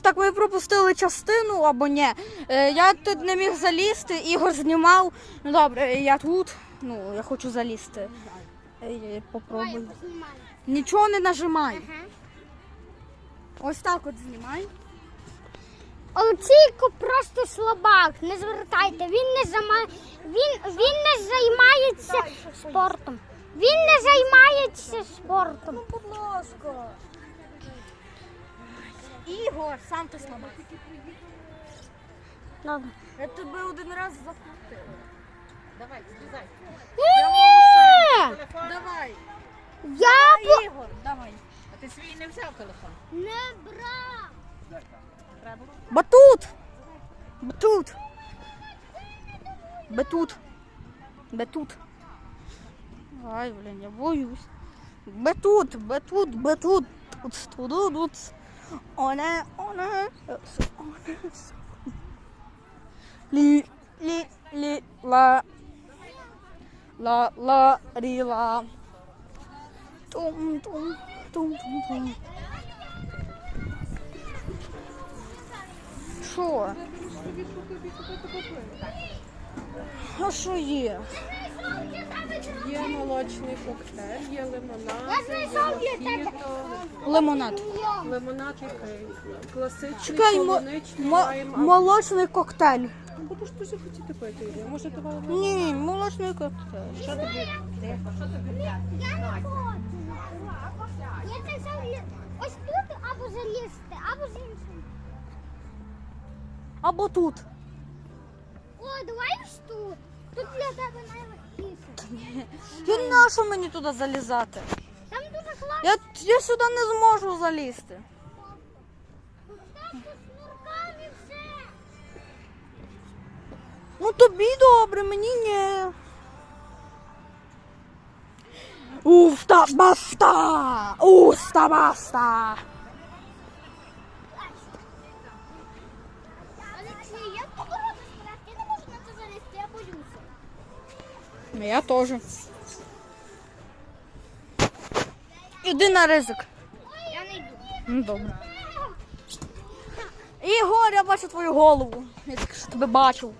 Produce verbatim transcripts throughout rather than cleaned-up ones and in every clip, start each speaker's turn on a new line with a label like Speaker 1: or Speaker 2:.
Speaker 1: так ми пропустили частину або ні. Е, Я тут не міг залізти, Ігор знімав. Ну добре, я тут. Ну, я хочу залізти. Е, Попробуй. Нічого не нажимай. Ось так от знімай.
Speaker 2: Олексійко просто слабак, не звертайте. Він не займає, він, він не займається спортом. Він не займається спортом.
Speaker 1: Ну, будь ласка. Ігор, сам ти слабак.
Speaker 2: Добре.
Speaker 1: Я тебе один раз закрутила.
Speaker 3: Давай, злізай.
Speaker 2: Ні!
Speaker 1: Давай.
Speaker 2: Я по...
Speaker 1: Ігор, давай.
Speaker 3: А ти свій не взяв телефон?
Speaker 2: не брав.
Speaker 3: Треба?
Speaker 1: Батут! Батут! Батут! Батут! Ай, блин, я боюсь. Батут! Батут! Батут! Тут, тут, тут. Оне, оне, оне. Лі, лі, лі, ла. Ла, ла, рі, ла. Тум, тум, тум, тум, тум. Що? А що є?
Speaker 4: Є молочний коктейль, є лимонад,
Speaker 2: Я знайшов
Speaker 4: є
Speaker 2: для тебе.
Speaker 4: мохіто.
Speaker 1: Лимонад.
Speaker 4: Лимонад який? Класичний,
Speaker 1: Чекай, мо-
Speaker 4: полуничний,
Speaker 1: мо-
Speaker 4: маємо.
Speaker 1: молочний коктейль.
Speaker 4: Ну, будеш дуже хотіти пити, Ілля. Може, давай
Speaker 1: Ні, молочний коктейль.
Speaker 3: Що тобі? Тихо, що тобі взяти?
Speaker 2: Я не хочу. Я це взяв ось тут або залізти, або з іншим.
Speaker 1: Або тут.
Speaker 2: О, давай ось тут. Тут для тебе найлегкіше.
Speaker 1: І нащо мені туди залізати?
Speaker 2: Там дуже класно.
Speaker 1: Я, я сюди не зможу залізти.
Speaker 2: Там з шнурками все.
Speaker 1: Ну тобі добре, мені ні. Уфта баста! Уста баста!
Speaker 2: Олексій, я погоду справді, я не можу на це залізти, я боюся.
Speaker 1: Я теж. Іди на ризик.
Speaker 2: Я не йду.
Speaker 1: Ну добре. Ігор, я бачу твою голову. Я тільки що тебе бачив.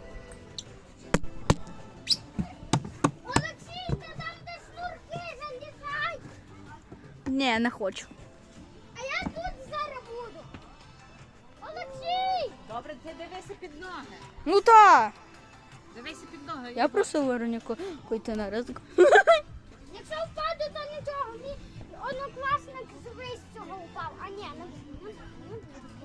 Speaker 2: Олексій, ти там де шнурки, залізай.
Speaker 1: Ні, не хочу.
Speaker 2: А я тут зараз буду. Олексій!
Speaker 3: Добре, ти дивися під ноги.
Speaker 1: Ну так.
Speaker 3: Дивися під ноги.
Speaker 1: Я просив Вероніку йти на ризик.
Speaker 2: Якщо впаду, то нічого. Мій однокласник з вищого упав. А ні, ну, ну, ну.